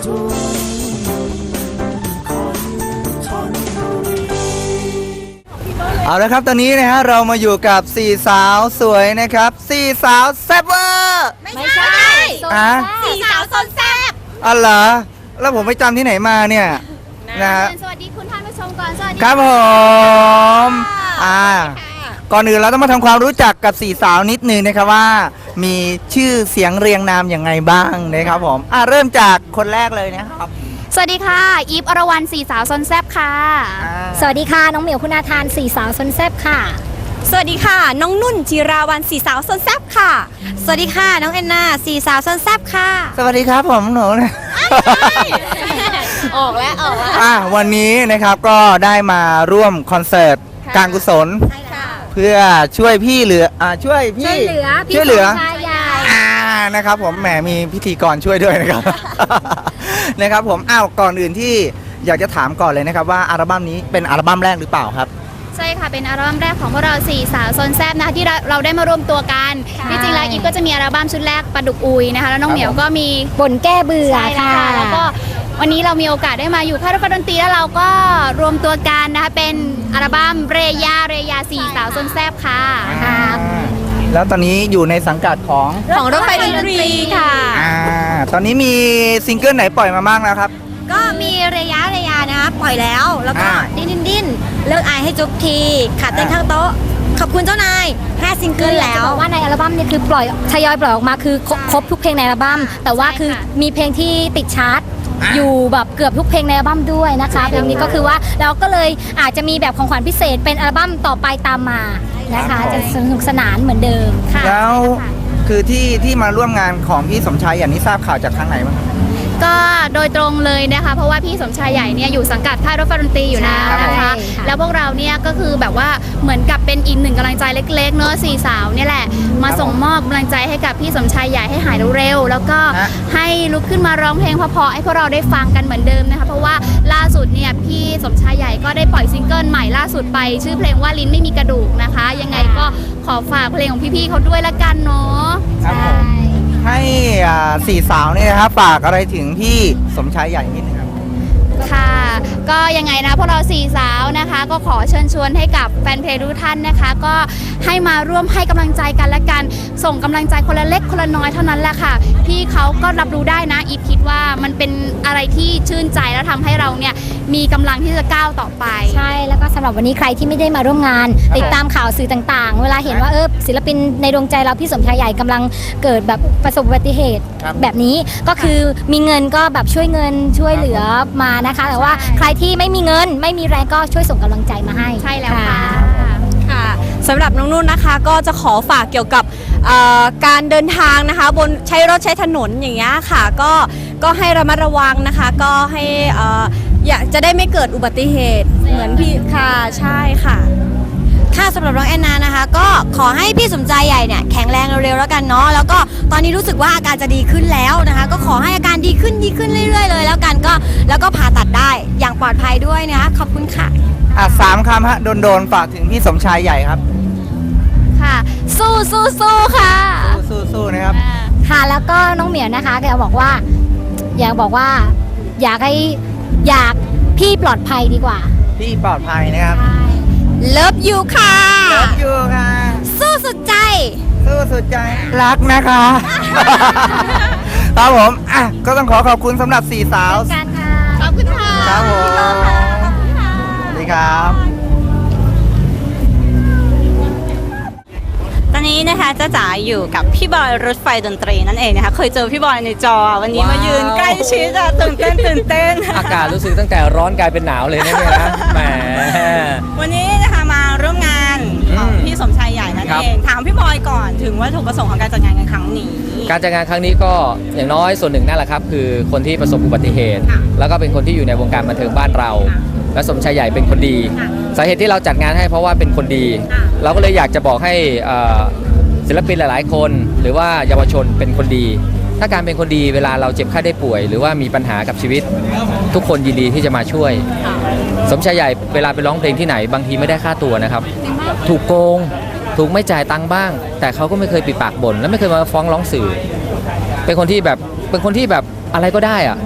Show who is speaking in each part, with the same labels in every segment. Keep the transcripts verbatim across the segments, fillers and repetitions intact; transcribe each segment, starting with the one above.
Speaker 1: เอาละครับตอนนี้นะฮะเรามาอยู่กับสี่สาวสวยนะครับสี่สาวแซ่บเวอร์
Speaker 2: ไม่ใช่
Speaker 1: อ่ะ
Speaker 2: สี่สาวซนแซ่บ
Speaker 1: อ๋อเหรอแล้วผมไปจำที่ไหนมาเนี่ยนะฮะ
Speaker 2: สวัสดีคุณท่านผู้ชมก่อนสวัสดี
Speaker 1: ครับผมอ่าก่อนอื่นเราต้องมาทำความรู้จักกับสี่สาวนิดนึงนะครับว่ามีชื่อเสียงเรียงนามอย่างไงบ้างนะครับผมอ่าเริ่มจากคนแรกเลยนะครับ
Speaker 2: สวัสดีค่ะอีฟอรวรรณสี่สาวซนแซบค่ะ
Speaker 3: สวัสดีค่ะน้องเหมียวคุณาทานสี่สาวซนแซบค่ะ
Speaker 4: สวัสดีค่ะน้องนุ่นจิราวันสี่สาวซนแซบค่ะสวัสดีค่ะน้องแอนนาสี่สาวซนแซบค่ะ
Speaker 1: สวัสดีครับผมหนูนะ
Speaker 2: ออกแล้วออกแล้ว
Speaker 1: อ่ะวันนี้นะครับก็ได้มาร่วมคอนเสิร์ตการกุศลเพื่อช่วยพี่เหลืออ่าช่วยพี่
Speaker 3: ช่วยเหลือ
Speaker 1: ช่วยเหลือ
Speaker 3: อ่า
Speaker 1: นะครับผมแหมมีพิธีกรช่วยด้วยนะครับ นะครับผมอ้าวก่อนอื่นที่อยากจะถามก่อนเลยนะครับว่าอัลบั้มนี้เป็นอัลบั้มแรกหรือเปล่าครับ
Speaker 2: ใช่ค่ะเป็นอัลบั้มแรกของพวกเราสี่สาวซนแซบนะคะที่เราได้มารวมตัวกันที่จริงแล้วอีฟก็จะมีอัลบั้มชุดแรกปลาดุกอุยนะคะแล้วน้องเหมียวก็มี
Speaker 3: บ่นแก้เบื่อค่ะ
Speaker 2: แล้วก็วันนี้เรามีโอกาสได้มาอยู่ค่ายรถไฟดนตรีแล้วเราก็รวมตัวกันนะคะเป็นอัลบั้มเรยาเรยาสี่สาวซนแซบค่ะ
Speaker 1: แล้วตอนนี้อยู่ในสังกัดของ
Speaker 4: ของรถไฟดนตรีค่ะ
Speaker 1: อ่าตอนนี้มีซิงเกิลไหนปล่อยมาบ้างแล้วครับ
Speaker 4: ก็มีระยะระยะนะคะปล่อยแล้วแล้วก็ดิ้นดิ้นดิ้นเลิกอายให้จุ๊บทีขาเต้นข้างโต๊ะขอบคุณเจ้านายห้าซิงเกิลแล้ว
Speaker 3: ว่าในอัลบั้มเนี่ยคือปล่อยทยอยปล่อยออกมาคือครบทุกเพลงในอัลบั้มแต่ว่าคือมีเพลงที่ติดชาร์ตอยู่แบบเกือบทุกเพลงในอัลบั้มด้วยนะคะเพลงนี้ก็คือว่าเราก็เลยอาจจะมีแบบของขวัญพิเศษเป็นอัลบั้มต่อไปตามมานะคะจะสนุกสนานเหมือนเดิม
Speaker 2: ค่ะ
Speaker 1: แล้วคือที่ที่มาร่วมงานของพี่สมชายอย่างนี้ทราบข่าวจากทางไหนบ้าง
Speaker 2: ก็โดยตรงเลยนะคะเพราะว่าพี่สมชายใหญ่เนี่ยอยู่สังกัดค่ายรถไฟดนตรีอยู่นะนะคะแล้วพวกเราเนี่ยก็คือแบบว่าเหมือนกับเป็นอีกหนึ่งกำลังใจเล็กๆเนอะสี่สาวเนี่ยแหละมาส่งมอบกำลังใจให้กับพี่สมชายใหญ่ให้หายเร็วๆแล้วก็ให้ลุกขึ้นมาร้องเพลงเพราะๆให้พวกเราได้ฟังกันเหมือนเดิมนะคะเพราะว่าล่าสุดเนี่ยพี่สมชายใหญ่ก็ได้ปล่อยซิงเกิลใหม่ล่าสุดไปชื่อเพลงว่าลิ้นไม่มีกระดูกนะคะยังไงก็ขอฝากเพลงของพี่ๆเขาด้วยละกันเนาะ
Speaker 1: ให้สี่สาวนี่นะครับฝากอะไรถึงพี่สมชายใหญ่นิดนึงครับ
Speaker 2: ค่ะก็ยังไงนะพวกเราสี่สาวนะคะก็ขอเชิญชวนให้กับแฟนเพลงทุกท่านนะคะก็ให้มาร่วมให้กำลังใจกันและกันส่งกำลังใจคนละเล็กคนละน้อยเท่านั้นแหละค่ะพี่เขาก็รับรู้ได้นะอีฟคิดว่ามันเป็นอะไรที่ชื่นใจแล้วทำให้เราเนี่ยมีกำลังที่จะก้าวต่อไป
Speaker 3: ใช่แล้วก็สำหรับวันนี้ใครที่ไม่ได้มาร่วมงานติดตามข่าวสื่อต่างๆเวลาเห็นว่าเออศิลปินในดวงใจเราพี่สมชายใหญ่กำลังเกิดแบบประสบอุบัติเหตุแบบนี้ก็คือมีเงินก็แบบช่วยเงินช่วยเหลือมานะคะแต่ว่าใครที่ไม่มีเงินไม่มีแรงก็ช่วยส่งกำลังใจมาให้
Speaker 2: ใช่แล้วค่ะ
Speaker 4: ค่ะสำหรับน้องนุ่นนะคะก็จะขอฝากเกี่ยวกับการเดินทางนะคะบนใช้รถใช้ถนนอย่างเงี้ยค่ะก็ก็ให้ระมัดระวังนะคะก็ให้อยากจะได้ไม่เกิดอุบัติเหตุเหมือนพี่ค่ะใช่ค่ะค่ะสำหรับน้องแอนนานะคะก็ขอให้พี่สมใจใหญ่เนี่ยแข็งแรงเร็วๆแล้วกันเนาะแล้วก็ตอนนี้รู้สึกว่าอาการจะดีขึ้นแล้วนะคะก็ขอให้อาการดีขึ้นดีขึ้นเรื่อยๆเลยแล้วกันก็แล้วก็ผ่าตัดได้อย่างปลอดภัยด้วยนะคะขอบคุณค่ะ
Speaker 1: อ่ะสามคำฮะโดนๆฝากถึงพี่สมชายใหญ่ครับ
Speaker 2: ค่ะสู้สู้สู้ค่ะ
Speaker 1: สู้สู้นะครับ
Speaker 3: ค่ะแล้วก็น้องเหมียวนะคะแกบอกว่าอยากบอกว่าอยากให้อยากพี่ปลอดภัยดีกว่า
Speaker 1: พี่ปลอดภัยนะครับ
Speaker 4: เลิฟยูค่ะ
Speaker 1: เลิฟยูค่ะ
Speaker 4: สู้สุดใจ
Speaker 1: สู้สุดใจรักนะคะครับผมอ่ะก็ต้องขอขอบคุณสำหรับสี่สาว
Speaker 2: ขอบคุณค่ะ
Speaker 1: ครับผมสวัสดีครับ
Speaker 4: ตอนนี้นะคะจ้าจ๋าอยู่กับพี่บอยรถไฟดนตรีนั่นเองนะคะเคยเจอพี่บอยในจอวันนี้มายืนใกล้ชิดอะตื่นเต้นตื่นเต้น
Speaker 5: อากาศรู้สึกตั้งแต่ร้อนกลายเป็นหนาวเลยนะเนี่ยนะแหม
Speaker 4: วันนี้นะคะมาร่วมงานของพี่สมชายใหญ่นั่นเองถามพี่บอยก่อนถึงวัตถุประสงค์ของการจัดงานในครั้งนี้
Speaker 5: การจัดงานครั้งนี้ก็อย่างน้อยส่วนหนึ่งนั่นแหละครับคือคนที่ประสบอุบัติเหตุแล้วก็เป็นคนที่อยู่ในวงการบันเทิงบ้านเราและสมชายใหญ่เป็นคนดีสาเหตุที่เราจัดงานให้เพราะว่าเป็นคนดีเราก็เลยอยากจะบอกให้ศิลปินหลายๆคนหรือว่าเยาวชนเป็นคนดีถ้าการเป็นคนดีเวลาเราเจ็บไข้ได้ป่วยหรือว่ามีปัญหากับชีวิตทุกคนยินดีที่จะมาช่วยสมชายใหญ่เวลาไปร้องเพลงที่ไหนบางทีไม่ได้ค่าตัวนะครับถูกโกงถูกไม่จ่ายตังค์บ้างแต่เขาก็ไม่เคยปิดปากบ่นและไม่เคยมาฟ้องร้องสื่อเป็นคนที่แบบเป็นคนที่แบบอะไรก็ได้อะ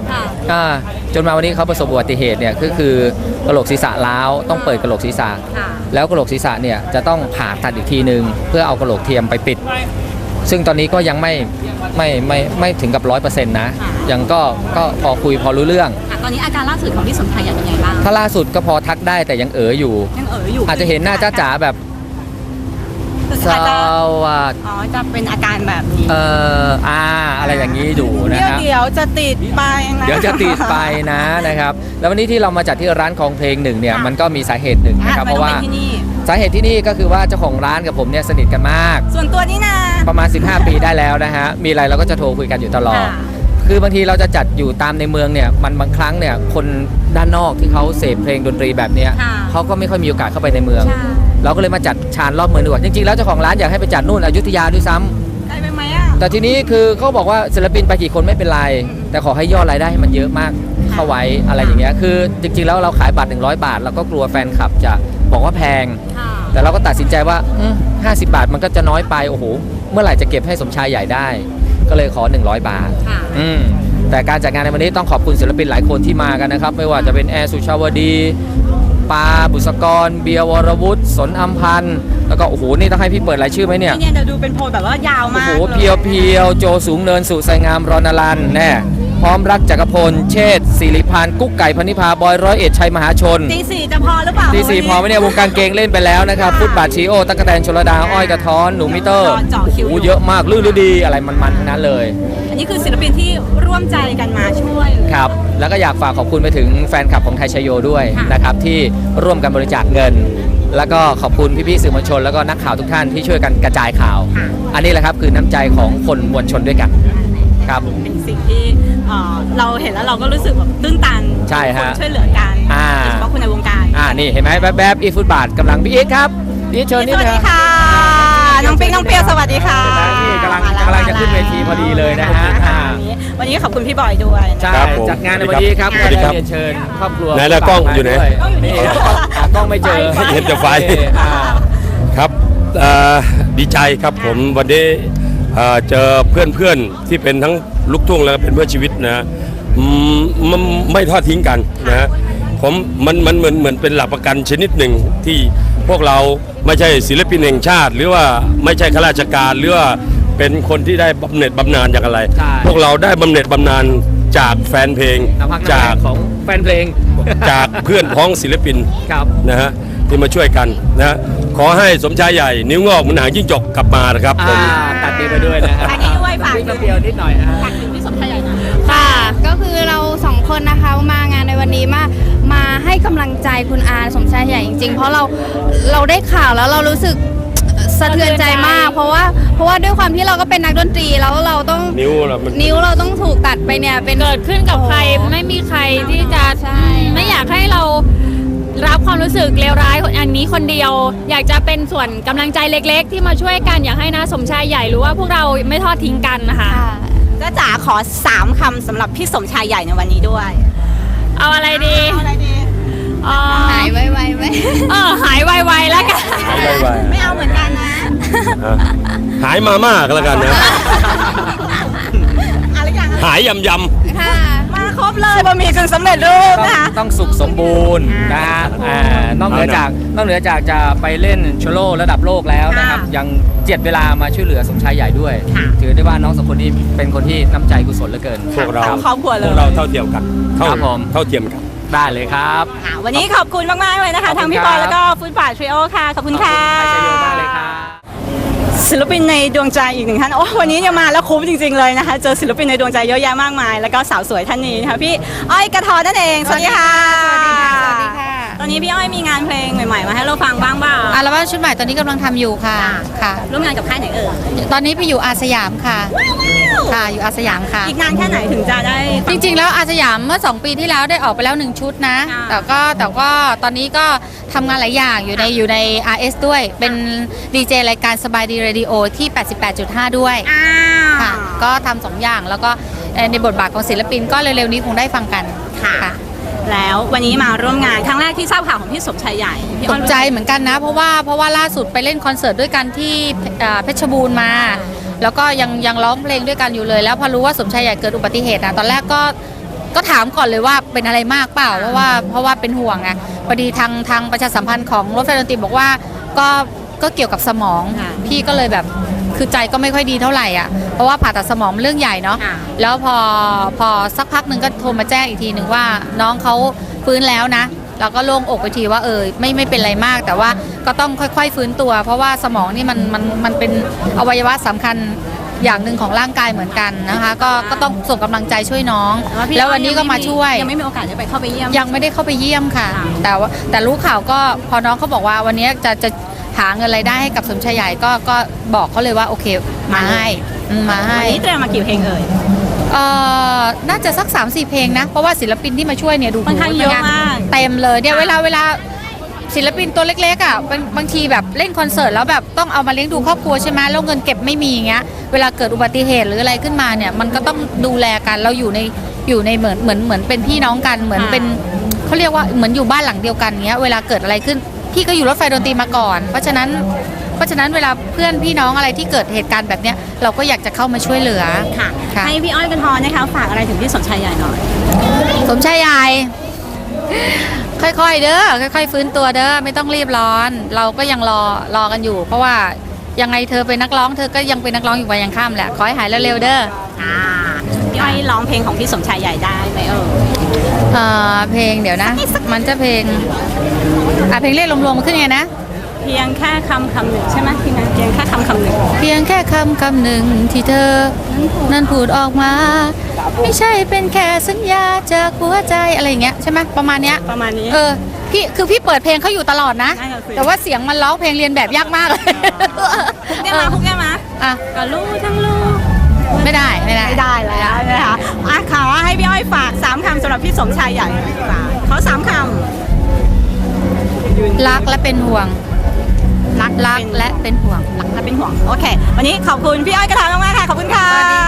Speaker 5: อ่าจนมาวันนี้เขาประสบอุบัติเหตุเนี่ยก็คือกระโหลกศีรษะร้าวต้องเปิดกระโหลกศีรษะ
Speaker 4: ค่ะ
Speaker 5: แล้วกระโหลกศีรษะเนี่ยจะต้องผ่าตัดอีกทีหนึ่งเพื่อเอากระโหลกเทียมไปปิด ซึ่งตอนนี้ก็ยังไม่ไม่ไม่ไม่ถึงกับร้อยเปอร์เซ็นต์นะยังก็ก็พอคุยพอรู้เรื่อง
Speaker 4: ตอนนี้อาการล่าสุดของพี่สมชายใหญ่เป็นไงบ้าง
Speaker 5: ถ้าล่าสุดก็พอทักได้แต่ยังเอ๋ออยู่
Speaker 4: ยังเอ๋ออยู่
Speaker 5: อาจจะเห็นหน้าจ้าจ๋าแบบส
Speaker 4: อาจจะ
Speaker 5: วัสด
Speaker 4: อ๋อจะเป็นอาการแบบนี้
Speaker 5: เอ่ออาอะไรอย่างนี้อยู่นะ
Speaker 4: เดี๋ยว
Speaker 5: ครับ
Speaker 4: เดี๋ยวจะติดไปนะ
Speaker 5: เดี๋ยวจะติดไปนะนะครับ แล้ววันนี้ที่เรามาจัดที่ร้านของเพลงหนึ่งเนี่ยมันก็มีสาเหตุหนึ่งนะครับ
Speaker 4: อ่
Speaker 5: เพราะว่า
Speaker 4: ทำไมต้องป็นที่นี่
Speaker 5: สาเหตุที่นี่ก็คือว่าเจ้าของร้านกับผมเนี่ยสนิทกันมาก
Speaker 4: ส่วนตัวนี่นะ
Speaker 5: ประมาณ สิบห้า ปีได้แล้วนะฮะมีอะไรเราก็จะโทรคุยกันอยู่ตลอด
Speaker 4: ค่ะ
Speaker 5: คือบางทีเราจะจัดอยู่ตามในเมืองเนี่ยมันบางครั้งเนี่ยคนด้านนอกที่เขาเสพเพลงดนตรีแบบเนี้ย
Speaker 4: ค่ะ
Speaker 5: เขาก็ไม่ค่อยมีโอกาสเข้าไปในเมือง
Speaker 4: ใช่
Speaker 5: เราก็เลยมาจัดชานรอบเมืองดีกว่าจริงๆแล้วเจ้าของร้านอยากให้ไปจัดนู่นอยุธยาด้วยซ้ำ
Speaker 4: ได้ไปไหมอ่ะ
Speaker 5: แต่ทีนี้คือเขาบอกว่าศิลปินไปกี่คนไม่เป็นไร แต่ขอให้ยอดรายได้ให้มันเยอะมากเข้าไว้อะไรอย่างเงี้ยคือจริงๆแล้วเราขายบัตรหนึ่งร้อยบาทเราก็กลัวแฟนคลับจะบอกว่าแพง
Speaker 4: ค่ะ
Speaker 5: แต่เราก็ตัดสินใจว่าอืมห้าสิบบาทมันก็จะน้อยไปโอ้โหเมื่อไหร่จะเก็บให้สมชายใหญ่ได้ ก็เลยขอหนึ่งร้อยบาท
Speaker 4: ค่ะ
Speaker 5: อืมแต่การจัดงานในวันนี้ต้องขอบคุณศิลปินหลายคนที่มากันนะครับ ไม่ว่าจะเป็นแอร์สุชาวดีปาบุษกร เบียร์วรวุฒิสนอัมพันธ์แล้วก็โอ้โหนี่ต้องให้พี่เปิดรายชื่อไหมเนี่ย
Speaker 4: นี่เนี่ยเดี๋ยวดูเป็นโพลแบบว่ายาว
Speaker 5: โอ้
Speaker 4: มาก
Speaker 5: โห
Speaker 4: ล
Speaker 5: เพียวเพียวโจสูงเนินสุไสงามรณรันแน่พร้อมรักจักรพลเชษฐ์ศิริพันธ์กุ๊กไก่พนิพาบอยร้อยเอ็ดชัยมหาชน
Speaker 4: ตีสี่จะพอหรือเปล่า
Speaker 5: ทีสี่พอไหมเนี่ยวงการเกงเล่นไปแล้วนะครับฟุตบาทชีโอตั๊กแตนชลดาอ้อยกระท้อนหนูมิเตอร์
Speaker 4: เจาะคิว
Speaker 5: โอ้โหเยอะมากลื่นดีอะไรมันๆทั้งนั้นเลย
Speaker 4: อันนี้คือศิลปินที่ร่วมใจกันมาช่วย
Speaker 5: ครับแล้วก็อยากฝากขอบคุณไปถึงแฟนคลับของไทยชโยด้วย
Speaker 4: ค่ะ
Speaker 5: นะครับที่ร่วมกันบริจาคเงิน แล้วก็ขอบคุณพี่ๆสื่อมวลชน แล้วก็นักข่าวทุกท่านที่ช่วยกันกระจายข่าว อันนี้แหละครับคือน้ำใจของคนมวลชนด้วยกันครับ
Speaker 4: เป็นสิ่งที่เอ่อเราเห็นแล้วเราก็รู้สึกแบบตื้นตัน
Speaker 5: ใช่ฮะ
Speaker 4: คนช่วยเหลือกัน
Speaker 5: อ่า
Speaker 4: โดยเฉพาะคนในวงการ
Speaker 5: อ่านี่เห็นไหมแวบๆอีฟุตบาทกำลังพี่อีทครับพี่อีทเชิญ
Speaker 4: ส
Speaker 5: นิด
Speaker 4: วัส
Speaker 5: นึ
Speaker 4: ดี
Speaker 5: ง
Speaker 4: ค่ะ น้องปิ๊งน้องเปียวสวัสดีค่ะ
Speaker 5: นี่กำลัง
Speaker 4: มาแว
Speaker 5: กำลังจะขึ้นเวทีพอดีเลยนะฮะอ่า
Speaker 4: วันนี้วันนี้ขอบคุณพี่บอยด้วยนะ
Speaker 5: ใช่
Speaker 6: ครับผม
Speaker 5: จัดงานในวันนี้ครับ
Speaker 6: ส
Speaker 5: ก็
Speaker 6: วัสดี
Speaker 5: ได้
Speaker 6: ครับ
Speaker 5: เรียนเชิญครอบครัว
Speaker 6: ไหนล่ะกล้องอยู่ไหน
Speaker 5: ด้วยนี่หากล้องไม่เจอ
Speaker 6: เห็นแต่ไฟ
Speaker 5: อ่า
Speaker 6: ครับเอ่อดีใจครับผมวันนี้เอ่อเจอเพื่อนๆที่เป็นทั้งลูกทุ่งแล้วก็เป็นเพื่อนชีวิตนะอืมมันไม่ทอดทิ้งกันนะผมมันมันเหมือนเหมือนเป็นหลักประกันชนิดหนึ่งที่พวกเราไม่ใช่ศิลปินแห่งชาติ หรือว่าไม่ใช่ข้าราชการหรือว่าเป็นคนที่ได้บำเหน็จบำนาญจากอะไร
Speaker 5: ใช่
Speaker 6: พวกเราได้บำเหน็จบำนาญจากแฟนเพลง
Speaker 5: น้ำพักน้ำ
Speaker 6: จา
Speaker 5: แร
Speaker 6: ก
Speaker 5: งของแฟนเพลง
Speaker 6: จากเพื่อนพ้องศิลปิน
Speaker 5: ครับ
Speaker 6: นะฮะที่มาช่วยกันนะฮะขอให้สมชายใหญ่นิ้วงอกเหมือนหางจิ้งจกกลับมานะครับผ
Speaker 5: อ่าม ตัดดีไปด้วยนะฮะ
Speaker 4: ฝากนี้ด้วยฝาก
Speaker 5: นิดเดียวนิดหน่อยฮะ
Speaker 4: ฝากถึงพี่สมชายใหญ่หน่อย
Speaker 7: ค่ะ ก็คือเราสองคนนะคะมางานในวันนี้มามาให้กำลังใจคุณอาสมชายใหญ่จริงๆ เพราะเราเราได้ข่าวแล้วเรารู้สึกสะเทือนใจมาก เพราะว่าเพราะว่าด้วยความที่เราก็เป็นนักดนตรีแล้วเราต้อง
Speaker 6: นิ้วเรามัน
Speaker 7: นิ้วเราต้องถูกตัดไปเนี่ยเป็น
Speaker 8: เกิดขึ้นกับใครไม่มีใครที่จะ
Speaker 7: ใช่
Speaker 8: ไม่อยากให้เรารับความรู้สึกเลวร้ายอันนี้คนเดียว อยากจะเป็นส่วนกำลังใจเล็กๆ ที่มาช่วยกันอยากให้นะสมชายใหญ่รู้ว่าพวกเราไม่ทอดทิ้งกันนะคะ
Speaker 7: ค่ะ
Speaker 4: จ้าจ๋าขอสามคำสำหรับพี่สมชายใหญ่ในวันนี้ด้วย
Speaker 8: เอาอะไรดี
Speaker 4: เอาอะไรดี
Speaker 8: เอ่อ
Speaker 7: หายไวๆไหม
Speaker 8: เออหายไวๆแล้วกัน
Speaker 6: หายไว
Speaker 4: ไม่เอาเหมือนกันนะ
Speaker 6: ๆอ่ะหายมามากแล้วกันนะ
Speaker 4: อะไรอย่าง
Speaker 6: หายยำย
Speaker 7: ค่ะ
Speaker 4: มาครบเลยบะหมี่กึ่งสำเร็จรูป
Speaker 5: ต้อง
Speaker 4: นะคะ
Speaker 5: ต้องสุขสมบูรณ์นะฮะอ่านอกเหนือจากนอกเหนือจากจะไปเล่นโชโลระดับโลกแล้วนะครับ
Speaker 4: ค่ะ
Speaker 5: ยังเจียดเวลามาช่วยเหลือสมชายใหญ่ด้วย
Speaker 4: ค่ะ
Speaker 5: ถือได้ว่าน้องสองคนนี้เป็นคนที่น้ำใจกุศลเหลือเกิน
Speaker 6: ำพวกเรา
Speaker 4: ทั้งครอบครัวเล
Speaker 6: พ
Speaker 4: ยว
Speaker 6: กเราเท่าเทียมกันเท่า
Speaker 5: ครับผม
Speaker 6: เท่าเทียมกัน
Speaker 5: ได้เลยครับ
Speaker 4: ค่ะวันนี้ขอบคุณมากๆเลยนะคะ
Speaker 5: ขอบคุณ
Speaker 4: ทั้งพี่บอย
Speaker 5: ครับ
Speaker 4: แล้วก็ฟุตบาททริโอค่ะ ขอบคุณค่ะ
Speaker 5: ไทยชโยได้เลยครับ
Speaker 4: ศิลปินในดวงใจอีกหนึ่งท่านโอ้วันนี้เนี่ยมาแล้วคุ้มจริงๆเลยนะคะ เจอศิลปินในดวงใจเยอะแยะมากมาย แล้วก็สาวสวยท่านนี้นะคะพี่อ้อยกระทอนั่นเองสวัสดีค่ะ
Speaker 7: สวัสดีค่ะสวัสดีค่ะ
Speaker 4: ตอนนี้พี่อ้อยมีงานเพลงใหม่ๆมาให้เราฟังบ้างเปล่า
Speaker 7: อัลบั้มชุดใหม่ตอนนี้กำลังทำอยู่ค่ะค่ะ
Speaker 4: ร่วมงานกับค่ายไหนเอ่ย
Speaker 7: ตอนนี้ไปอยู่อาสยามค่ะค่ะอยู่อาสยามค่ะ
Speaker 4: อีกนานแค่ไหนถึงจะได้ฟั
Speaker 7: จริงๆ แล้วอาสยามเมื่อ สอง ปีที่แล้วได้ออกไปแล้ว หนึ่ง ชุดนะ
Speaker 4: ค่ะ
Speaker 7: แต่ก็แต่ก็ตอนนี้ก็ทำงานหลายอย่างอยู่ในอยู่ใน อาร์ เอส ด้วย เป็นดีเจรายการสบายดีเรดิโอที่ แปดสิบแปดจุดห้า ด้วย
Speaker 4: อ้าว
Speaker 7: ค่ะ ก็ทำสองอย่างแล้วก็เอ่อในบทบาทของศิลปินก็เร็วๆนี้คงได้ฟังกัน
Speaker 4: ค่ะ แล้ววันนี้มาร่วมงานครั้งแรกที่ทราบข่าวของพี่สมชายใหญ่พี่
Speaker 7: ต
Speaker 4: อ้อย
Speaker 7: ก
Speaker 4: รู้
Speaker 7: ใจ
Speaker 4: สึก
Speaker 7: เหมือนกันนะ เพราะว่าเพราะว่าล่าสุดไปเล่นคอนเสิร์ตด้วยกันที่เอ่อเพชรบูรณ์มา แล้วก็ยังยังร้องเพลงด้วยกันอยู่เลย แล้วพอรู้ว่าสมชายใหญ่เกิดอุบัติเหตุนะตอนแรกก็
Speaker 9: ก็ถามก่อนเลยว่าเป็นอะไรมากเปล่าเพราะว่าเพราะว่าเป็นห่วงไงพอดีทางทางประชาสัมพันธ์ของรถไฟดนตรีบอกว่าก็ก็เกี่ยวกับสมองพี่ก็เลยแบบคือใจก็ไม่ค่อยดีเท่าไหร่อ่ะเพราะว่าผ่าตัดสมองมันเรื่องใหญ่เนาะแล้วพอพอสักพักหนึ่งก็โทรมาแจ้งอีกทีหนึ่งว่าน้องเขาฟื้นแล้วนะเราก็โล่งอกไปทีว่าเออไม่ไม่เป็นไรมาก แต่ว่าก็ต้องค่อยๆฟื้นตัว เพราะว่าสมองนี่มันมันมันเป็นอวัยวะสำคัญอย่างหนึ่งของร่างกายเหมือนกันนะคะก็ก็ต้องส่งกำลังใจช่วยน้อง แล้ววันนี้ก็มาช่วย
Speaker 4: ยังไม่มีโอกาสได้ไปเข้าไปเยี่ยม
Speaker 9: ยังไม่ได้เข้าไปเยี่ยมค่ะ แต่ว่าแต่รู้ข่าวก็พอน้องเขาบอกว่าวันนี้จะจะหาเงินรายได้ให้กับสมชายใหญ่ก็ก็บอกเขาเลยว่าโอเคมาให้อืมมาให้
Speaker 4: วันนี้เตรียมมากี่เพลงเอ่ย
Speaker 9: เอ่อน่าจะสัก สามสี่ เพลงนะ เพราะว่าศิลปินที่มาช่วยเนี่ยดู
Speaker 4: ค่อนข้างเยอะมาก
Speaker 9: เต็มเลยเนี่ยเวลาเวลาศิลปินตัวเล็กๆอ่ะบางบางทีแบบเล่นคอนเสิร์ตแล้วแบบต้องเอามาเลี้ยงดูครอบครัวใช่ไหมแล้วเงินเก็บไม่มีอย่างเงี้ยเวลาเกิดอุบัติเหตุหรืออะไรขึ้นมาเนี่ยมันก็ต้องดูแลกันเราอยู่ในอยู่ในเหมือนเหมือนเหมือนเป็นพี่น้องกันเหมือนเป็นเขาเรียกว่าเหมือนอยู่บ้านหลังเดียวกันเงี้ยเวลาเกิดอะไรขึ้นพี่ก็อยู่รถไฟดนตรีมาก่อน เพราะฉะนั้นเพราะฉะนั้นเวลาเพื่อนพี่น้องอะไรที่เกิดเหตุการณ์แบบเนี้ยเราก็อยากจะเข้ามาช่วยเหลือ
Speaker 4: ค่ะ
Speaker 9: ค่ะ
Speaker 4: ให้พี่อ้อยกันทอนนะคะฝากอะไรถึงพี่สมชายใหญ่หน่อย
Speaker 9: สมชายใหญ่ค่อยๆเด้อค่อยๆฟื้นตัวเด้อไม่ต้องรีบร้อน เราก็ยังรอรอกันอยู่ เพราะว่ายังไงเธอเป็นนักร้องเธอก็ยังเป็นนักร้องอยู่วันยังค่ำแหละขอให้หายเร็วๆเด้อ
Speaker 4: อ่าพี่อ้อยร้องเพลงของพี่สมชายใหญ่ได้ไหมเออ
Speaker 9: เอ่อเพลงเดี๋ยวนะ มันจะเพลงอ่ะเพลงเรียกรวมๆมันขึ้นไงนะ
Speaker 4: เพียงแค่คำคำหนึ่งใช่ไหมพี่นะเพียงแค่คำคำหนึ่ง
Speaker 9: เพียงแค่คำคำหนึ่งที่เธอนั้นพูดออกมา ไม่ใช่เป็นแค่สัญญาจากหัวใจอะไรอย่างเงี้ยใช่ไหมประมาณเนี้ย
Speaker 4: ประมาณนี้
Speaker 9: เออพี่คือพี่เปิดเพลงเขาอยู่ตลอดนะ
Speaker 4: ได้ค่ะสิ
Speaker 9: แต่ว่าเสียงมันร้องเพลงเรียนแบบยากมากเลย
Speaker 4: พุกได้มาพุกได้มา
Speaker 9: อ่ะ
Speaker 4: ก็รู้ทั้งรู้
Speaker 9: ไม่ได้ไม่ได้
Speaker 4: ไม่ได้แล้วนะคะอ่ะขอให้พี่อ้อยฝากสามคำสำหรับพี่สมชายใหญ่ฝากเขาสามค
Speaker 9: รักและเป็นห่วง รักรักและเป็นห่วง
Speaker 4: ำรักและเป็นห่วงโอเค วันนี้ขอบคุณพี่อ้อยกระทำมากๆค่ะขอบคุณค่ะ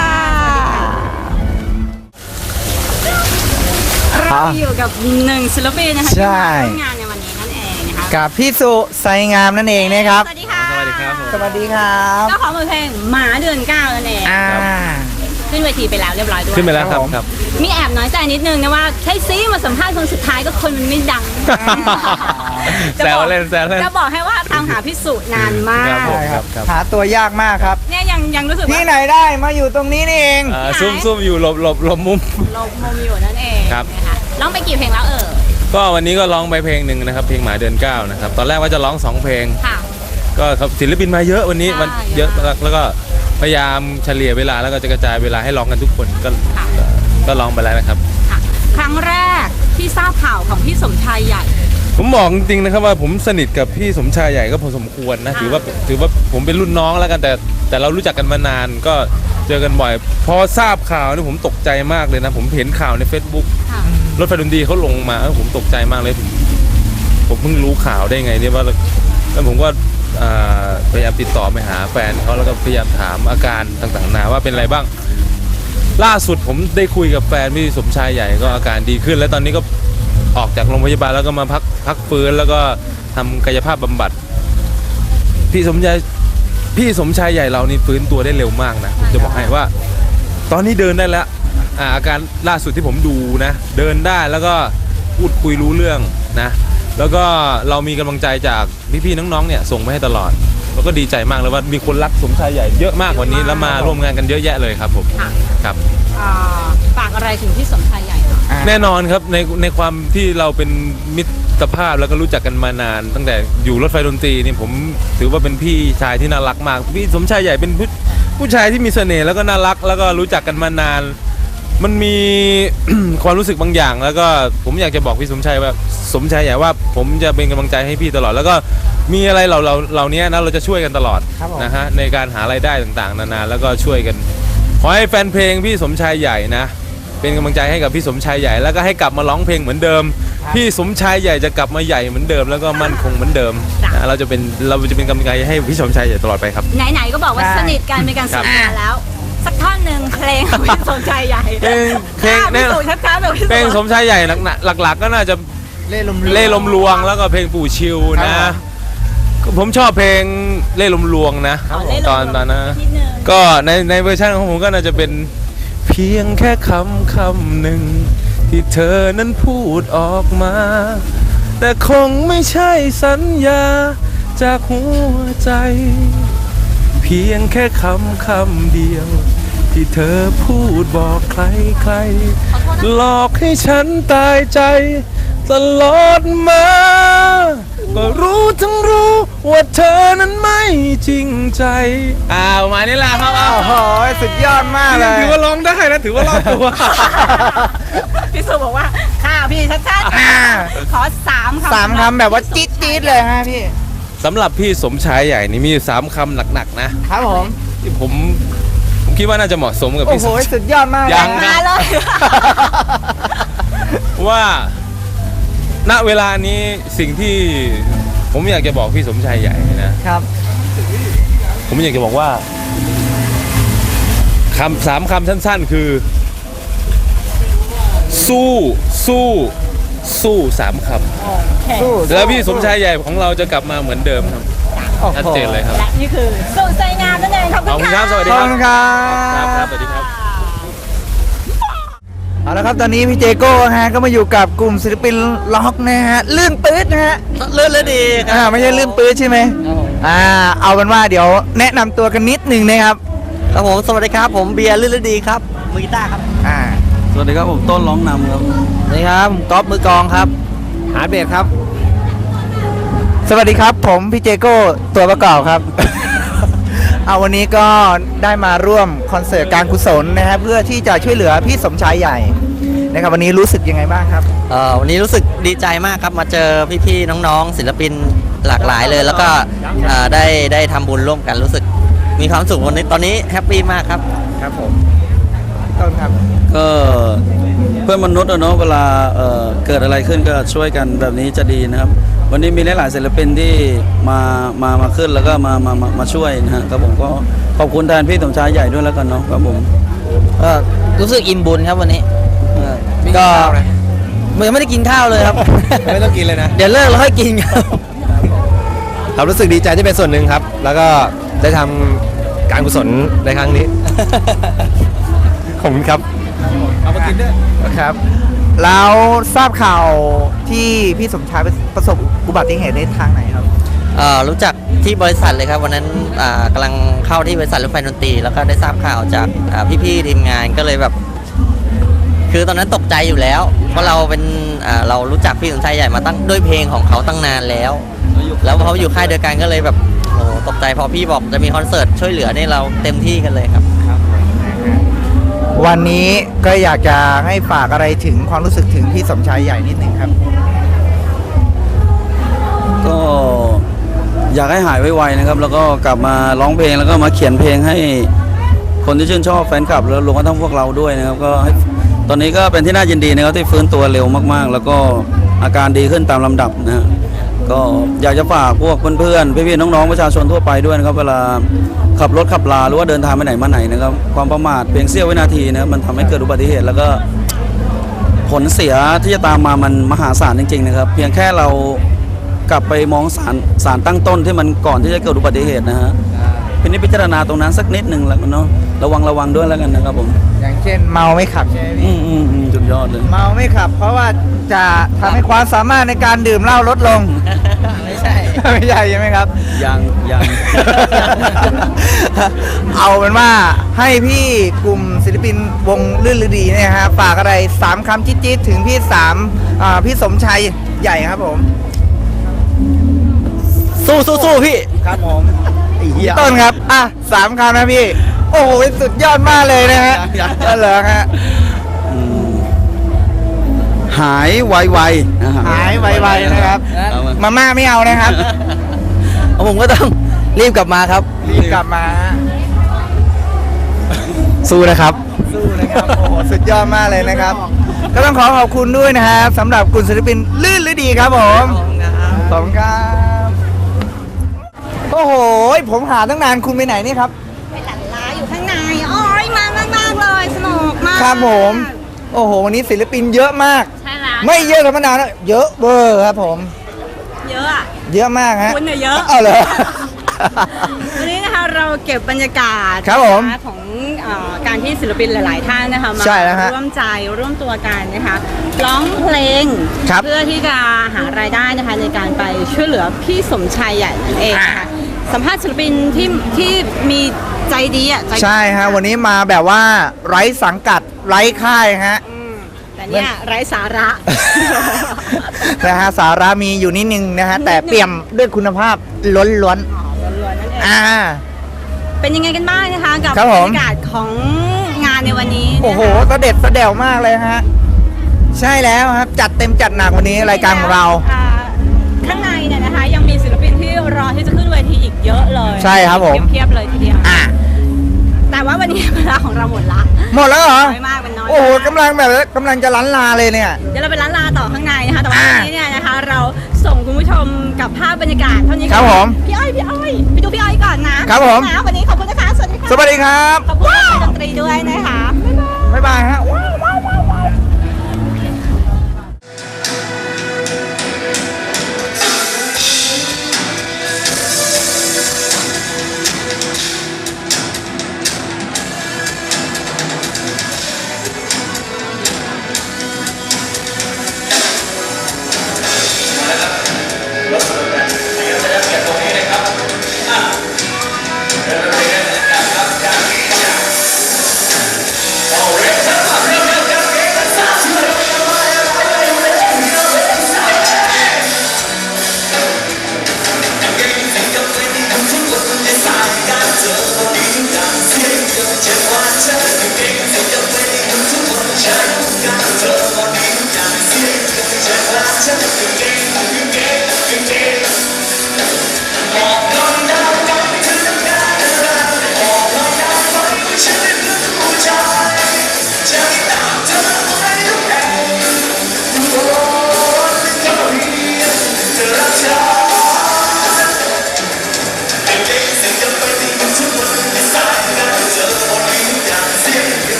Speaker 4: เราอยู่กับหนึ่งศิลปินนะคะ
Speaker 1: ใช่
Speaker 4: ที่มาร่วมงานในวันนี้นั่นเองนะคะ
Speaker 1: กับพี่สุไซงามนั่นเองนะครับ
Speaker 4: สวัสดีค่ะ
Speaker 5: สวัสดีครับผม
Speaker 1: สวัสดีครับ
Speaker 4: เจ้าของบทเพลงหมาเดือนเก้านั่นเอง
Speaker 1: อ่า
Speaker 4: ขึ้นเวทีไปแล้วเรียบร้อยด้วย
Speaker 5: ขึ้นไปแล้วครับครับ
Speaker 4: มีแอบน้อยใจนิดนึงนะว่าแค่ซีมาสัมภาษณ์คนสุดท้ายก็คนมันไม่ดัง
Speaker 5: แซวเล่นแซวเล่น
Speaker 4: จะบอกให้ว่าตามหาพิสูจน์นานมาก
Speaker 5: ครับผม
Speaker 1: ใช่ครับหาตัวยากมากครับ
Speaker 4: เนี่ยยังยังรู้สึก
Speaker 1: ที่
Speaker 4: ว่า
Speaker 1: ไหนได้มาอยู่ตรงนี้นี่เอง
Speaker 5: อ่าซุ่มซุ่มอยู่หลบหลบหลบมุม
Speaker 4: เรามุมอยู่นั่นเอง
Speaker 5: ครับ
Speaker 4: นะคะร้องไปกี่เพลงแล้วเออ
Speaker 5: ก็วันนี้ก็ร้องไปเพลงหนึ่งนะครับเพลงหมาเดือนเก้านะครับตอนแรกว่าจะร้องสองเพลง
Speaker 4: ค่ะ
Speaker 5: ก็ครับศิลปินมาเยอะวันนี้
Speaker 4: ใช่
Speaker 5: มันเยอะมากแล้วก็พยายามเฉลี่ยเวลาแล้วก็จะกระจายเวลาให้ร้องกันทุกคนก็
Speaker 4: ค่ะ
Speaker 5: ก็ร้องไปแล้วนะครับ
Speaker 4: ค่ะครั้งแรกที่ทราบข่าวของพี่สมชายใหญ่
Speaker 5: ผมบอกจริงๆนะครับว่าผมสนิทกับพี่สมชายใหญ่ก็พอสมควรนะ
Speaker 4: ค่ะ
Speaker 5: ถือว่าถือว่าผมเป็นรุ่นน้องแล้วกันแต่แต่เรารู้จักกันมานานก็เจอกันบ่อย พอทราบข่าวนี่ผมตกใจมากเลยนะผมเห็นข่าวใน Facebook
Speaker 4: ค่ะ
Speaker 5: รถไฟดนตรีเขาลงมาเออผมตกใจมากเลยผมผมเพิ่งรู้ข่าวได้ไงเนี่ยว่าแล้วผมก็อ่าพยายามติดต่อไปหาแฟนเขาแล้วก็พยายามถามอาการต่างๆนานาว่าเป็นอะไรบ้าง ล่าสุดผมได้คุยกับแฟนพี่สมชายใหญ่ก็อาการดีขึ้น แล้วตอนนี้ก็ออกจากโรงพยาบาลแล้วก็มาพักพักฟื้นแล้วก็ทำกายภาพบำบัดพี่สมชายพี่สมชายใหญ่เรานี่ฟื้นตัวได้เร็วมากนะผมจะบอกให้ว่า ตอนนี้เดินได้แล้วอ่าอาการล่าสุดที่ผมดูนะเดินได้แล้วก็พูดคุยรู้เรื่องนะแล้วก็เรามีกำลังใจจากพี่ๆน้องๆเนี่ยส่งมาให้ตลอดแล้วก็ดีใจมากเลยว่ามีคนรักสมชายใหญ่เยอะมากวันนี้แล้วมาร่วมงานกันเยอะแยะเลยครับผม
Speaker 4: ค่ะ
Speaker 5: ครับ
Speaker 4: อ่าฝากอะไรถึงพี่สมชายใหญ่หน่อย
Speaker 5: แน่นอนครับในในความที่เราเป็นมิตรภาพแล้วก็รู้จักกันมานาน ตั้งแต่อยู่รถไฟดนตรีนี่ผมถือว่าเป็นพี่ชายที่น่ารักมากพี่สมชายใหญ่เป็นผู้ผู้ชายที่มีเสน่ห์แล้วก็น่ารักแล้วก็รู้จักกันมานาน มันมี ความรู้สึกบางอย่าง แล้วก็ผมอยากจะบอกพี่สมชายว่าสมชายใหญ่ว่าผมจะเป็นกำลังใจให้พี่ตลอด แล้วก็มีอะไรเราเราเหล่านี้นะเราจะช่วยกันตลอด
Speaker 1: ครับผม
Speaker 5: นะฮะในการหารายได้ต่างๆ นานาแล้วก็ช่วยกันขอให้แฟนเพลงพี่สมชายใหญ่นะ เป็นกำลังใจให้กับพี่สมชายใหญ่แล้วก็ให้กลับมาร้องเพลงเหมือนเดิม พี่สมชายใหญ่จะกลับมาใหญ่เหมือนเดิม แล้วก็มั่นคงเหมือนเดิม
Speaker 4: จ้ะ
Speaker 5: นะเราจะเป็นเราจะเป็นกำลังใจให้พี่สมชายใหญ่ตลอดไปครับ
Speaker 4: ไหนๆก็บอกว่า
Speaker 1: ใช่
Speaker 4: สนิทกันเป็นการ
Speaker 5: ครั
Speaker 4: สื่
Speaker 5: บ
Speaker 4: อกันแล้ว สักท่อนหนึ่งเพลงของพี่สมชายใหญ่
Speaker 5: เพลงเพลง
Speaker 4: พี่สุชัดๆแบบพี่สุ
Speaker 5: เพลงสมชายใหญ่หลักหลักๆก็น่าจะ
Speaker 1: เล่ลม
Speaker 5: เล่ลมลวงแล้วก็เพลงปู่ชิว
Speaker 1: ครั
Speaker 5: นะ
Speaker 1: บ
Speaker 5: ผมชอบเพลงเล่ลมลวงนะ
Speaker 4: ขอเล่น
Speaker 5: ตอนตอนนั้น
Speaker 4: นิดนึง
Speaker 5: ก็ในในเวอร์ชันของผมก็น่าจะเป็นเพียงแค่คำคำหนึ่ง
Speaker 10: ที่เธอนั้นพูดออกมา แต่คงไม่ใช่สัญญาจากหัวใจ เพียงแค่คำคำเดียว ที่เธอพูดบอกใครใครๆหลอกให้ฉันตายใจตลอดมา ก็รู้ทั้งรู้ว่าเธอนั้นไม่จริงใจอ้าวมานี่แหละครับ
Speaker 1: โอ้โหสุดยอดมากเลย
Speaker 10: ถือว่าร้องได้นะถือว่ารอดตัว
Speaker 11: พี่สุบอกว่าข้าพี่ชัด
Speaker 1: อ่า
Speaker 11: ๆขอสามคำ
Speaker 1: สามคำแบบว่าจี๊ดจี๊ดเลยฮะพี่
Speaker 10: สำหรับพี่สมชายใหญ่นี่มีอยู่สามคำหนักๆนะครับ
Speaker 1: ผม
Speaker 10: ที่ผมผมคิดว่าน่าจะเหมาะสมกับ
Speaker 1: โอ้
Speaker 10: พี่
Speaker 1: โห
Speaker 10: สมชาย
Speaker 1: สุดยอดมาก
Speaker 10: ยัง
Speaker 1: นะ
Speaker 10: นะ ว่าณเวลานี้สิ่งที่ผมอยากจะบอกพี่สมชายใหญ่นะครับ ผมอยากจะบอกว่าคำสามคำสั้นๆคือ สู้สู้สู้สามค
Speaker 1: สู้
Speaker 10: ำแล้วพี่สมชายใหญ่ของเราจะกลับมาเหมือนเดิมครับ
Speaker 1: โอ้โห
Speaker 10: ชัดเจนเลยครับ
Speaker 11: และนี่คือสุดใจงามนั่นเองขอบ
Speaker 10: ขอบ
Speaker 11: คุ
Speaker 10: คุณ
Speaker 11: ณ
Speaker 10: ครั
Speaker 11: ค่ะ
Speaker 10: บสวัสดี
Speaker 1: ขอบ
Speaker 10: ครับ
Speaker 1: คุณครั
Speaker 10: ครับ
Speaker 1: บ
Speaker 10: ครับสวัสดีครับ
Speaker 1: เอาละครับตอนนี้พี่เจโก้ฮะก็มาอยู่กับกลุ่มศิลปินล็อกนะฮะลื่นปื๊ดนะฮะ
Speaker 12: ลื่นและดีค
Speaker 1: อ่า
Speaker 12: รับ
Speaker 1: ไม่ใช่ลื่นปื๊ดใช่ไหมอ่าเอาเป็นว่าเดี๋ยวแนะนำตัวกันนิดหนึ่งนะครับ
Speaker 12: ครับผมสวัสดีครับผมเบียร์ลื่นและดีครับมือกีตาร์ครับ
Speaker 1: อ่า
Speaker 12: สวัสดีครับผมต้นร้องนำครับสวัสดีครับผมก๊อฟมือกลองครับหาเบสครับ
Speaker 1: สวัสดีครับผมพี่เจโก้ตัวประกอบครับ เอาวันนี้ก็ได้มาร่วมคอนเสิร์ตการกุศลนะฮะเพื่อที่จะช่วยเหลือพี่สมชายใหญ่นะครับวันนี้รู้สึกยังไงบ้างครับ
Speaker 12: เอ่อวันนี้รู้สึกดีใจมากครับมาเจอพี่ๆน้องๆศิลปินหลากหลายเลย แล้วก็เอ่อได้ได้ทำบุญร่วมกันรู้สึกมีความสุขวันนี้ตอนนี้แฮปปี้มากครับ
Speaker 1: ครับผมต้นครับ
Speaker 13: ก็เพื่อนมนุษย์อะเนาะเวลาเอ่อเกิดอะไรขึ้นก็ช่วยกันแบบนี้จะดีนะครับ วันนี้มีหลายๆศิลปินที่มามามาขึ้นแล้วก็มามามามาช่วยนะฮะครับผมก็ขอบคุณแทนพี่สมชายใหญ่ด้วยแล้วกันเนาะครับผม
Speaker 12: ก็รู้สึกอิ่มบุญครับวันนี้เออก็ยังไม่ได้กินข้าวเลยครับ
Speaker 10: ไม่ต้องกินเลยนะ
Speaker 12: เดี๋ยวเลิกแล้วค่อยกินครับ
Speaker 10: ครับรู้สึกดีใจที่เป็นส่วนหนึ่งครับ แล้วก็ได้ทำการกุศลในครั้งนี้ ขอบคุณครับ
Speaker 1: เอามากินด้วยครับแล้วทราบข่าวที่พี่สมชายประสบอุบัติเหตุในทางไหนครับ
Speaker 12: เอ่อรู้จักที่บริษัทเลยครับวันนั้นอ่ากำลังเข้าที่บริษัทรถไฟดนตรีแล้วก็ได้ทราบข่าวจากอ่าพี่ๆทีมงานก็เลยแบบ คือตอนนั้นตกใจอยู่แล้ว เพราะเราเป็นอ่าเรารู้จักพี่สมชายใหญ่มาตั้งด้วยเพลงของเขาตั้งนานแล้ว แล้วพออยู่ค่ายเดียวกันก็เลยแบบโอ้โหตกใจพอพี่บอกจะมีคอนเสิร์ตช่วยเหลือนี่เราเต็มที่กันเลยครับ
Speaker 1: วันนี้ก็อยากจะให้ฝากอะไรถึงความรู้สึกถึงพี่สมชายใหญ่นิดหนึ่งครับ
Speaker 13: ก็อยากให้หายไวๆนะครับ แล้วก็กลับมาร้องเพลงแล้วก็มาเขียนเพลงให้คนที่ชื่นชอบแฟนคลับแล้วรวมทั้งพวกเราด้วยนะครับก็ให้ตอนนี้ก็เป็นที่น่ายินดีนะครับที่ฟื้นตัวเร็วมากๆ แล้วก็อาการดีขึ้นตามลำดับนะฮะก็อยากจะฝากพวกเพื่อนๆพี่ๆน้องๆประชาชนทั่วไปด้วยนะครับเวลาขับรถขับลาหรือว่าเดินทางไปไหนมาไหนนะครับความประมาทเพียงเสี้ยววินาทีนะครับมันทำให้เกิดอุบัติเหตุแล้วก็ผลเสียที่จะตามมามันมหาศาลจริงๆนะครับเพียงแค่เรากลับไปมองสารสารตั้งต้นที่มันก่อนที่จะเกิดอุบัติเหตุนะฮะพินิจพิจารณาตรงนั้นสักนิดหนึ่งแล้วกันเนาะระวังระวังด้วยแล้วกันนะครับผม
Speaker 1: อย่างเช่นเมาไม่ขับใช่ไหม
Speaker 13: อื
Speaker 1: พี่
Speaker 13: มอืมอืมสุดยอดเลย
Speaker 1: เมาไม่ขับ เพราะว่าจะทำให้ความสามารถในการดื่มเหล้าลดลง
Speaker 12: ไม่ใช่
Speaker 1: ไม่ใช่ใช่ไหมครับ
Speaker 13: ยังยัง
Speaker 1: เอาเป็นว่าให้พี่กลุ่มศิลปินวงลื่นฤดีเนี่ยฮะฝากอะไรสามคำจี๊ดๆถึงพี่สามอ่าพี่สมชายใหญ่ครับผม
Speaker 12: สู้สู้สู้พี่
Speaker 1: ครับผมพี่ต้นครับอ่ะสามคำนะพี่ โอ้โหสุดยอดมากเลยนะฮะก็เหรอฮะ
Speaker 13: อืมหายไวๆนะฮะ
Speaker 1: หายไวๆนะครับ
Speaker 13: เอามา
Speaker 1: มาม่าไม่เอานะครับ
Speaker 12: ผมก็ต้องรีบกลับมาครับ
Speaker 1: รีบกลับมาฮะ
Speaker 12: สู้นะครับ
Speaker 1: สู้นะครับ โอ้โห สุดยอดมากเลยนะครับ ก็ต้องขอขอบคุณด้วยนะครับสำหรับกลุ่มศิลปินลื่นฤดีครับผมขอบคุณครับ โอ้โห ผมหาตั้งนานคุณไปไหนนี่ครับ
Speaker 11: ไปหลันล้าอยู่ข้างในโอ้ยมามากมากๆเลยสนุกมาก
Speaker 1: ครับผม โอ้โห วันนี้ศิลปินเยอะมาก
Speaker 8: ใช่แล้ว
Speaker 1: ไม่เยอะธรรมดานะเยอะเบอร์ครับผม
Speaker 11: เยอะอะ
Speaker 1: เยอะมากฮะ
Speaker 11: คุณเนี่ยเยอะ
Speaker 1: เอาเลย
Speaker 11: วันนี้นะคะเราเก็บบรรยากาศ
Speaker 1: ครับผม
Speaker 11: นะคะของเออการที่ศิลปินหลาย ๆ ท่านนะคะมา
Speaker 1: ใช่แล้วฮะ
Speaker 11: ร่วมใจร่วมตัวกันนะคะร้องเพลง
Speaker 1: ครับ
Speaker 11: เพื่อที่จะหารายได้นะคะในการไปช่วยเหลือพี่สมชายใหญ่นั่นเองนะคะสัมภาษณ์ศิลปินที่ที่มีใจดีอ่ะใจดี
Speaker 1: ใช่ฮะวันนี้มาแบบว่าไร้สังกัดไร้ค่ายฮะ
Speaker 11: อืมแต่เนี่ยไร้สาระ
Speaker 1: นะฮะสาระมีอยู่นิดนึงนะฮะแต่เปี่ยมด้วยคุณภาพล้นล้วน
Speaker 11: อ๋อล้วนๆนั่นเอง
Speaker 1: ๆอ่า
Speaker 11: เป็นยังไงกันบ้างนะคะกับ
Speaker 1: ครับ
Speaker 11: บ
Speaker 1: ผ
Speaker 11: ร
Speaker 1: ม
Speaker 11: รยากาศของงานในวันนี้นะคะ
Speaker 1: โอ้โหเสด็จเสด็จมากเลยฮะใช่แล้วครับ จัดเต็มจัดหนักวันนี้รายการของเรา
Speaker 11: อ่ข้างในเนี่ยนะคะยังมีศิลปินที่รอที่จะขึ้นเวทีอีกเยอะเลย
Speaker 1: ใช่ครับผม
Speaker 11: เพียบๆเลยทีเดียว
Speaker 1: อ่ะ
Speaker 11: แต่ว่าวันนี้เวลาของเราหมดละ
Speaker 1: หมดแล้วเหรอ
Speaker 11: น้อยมากเป็นน้อย
Speaker 1: โอ้โห
Speaker 11: มาก
Speaker 1: กำลังแบบกำลังจะล้านลาเลยเนี่ย
Speaker 11: เดี๋ยวเราไปร้านลาต่อข้างในนะคะแต่ว่า
Speaker 1: อ่า
Speaker 11: วันนี้เนี่ยนะคะ เราส่งคุณผู้ชมกับภาพบรรยากาศเท่านี้ก่อน
Speaker 1: ครับผม
Speaker 11: พี่อ้อยพี่อ้อยไปดูพี่อ้อยก่อนนะครับ
Speaker 1: ผม
Speaker 11: นะวันนี้ขอบคุณนะคะสวัสดีค่ะ
Speaker 1: สวัสดีครับ
Speaker 11: ขอบคุณนักดนตรีด้วยนะคะ
Speaker 1: บ๊ายบายฮะ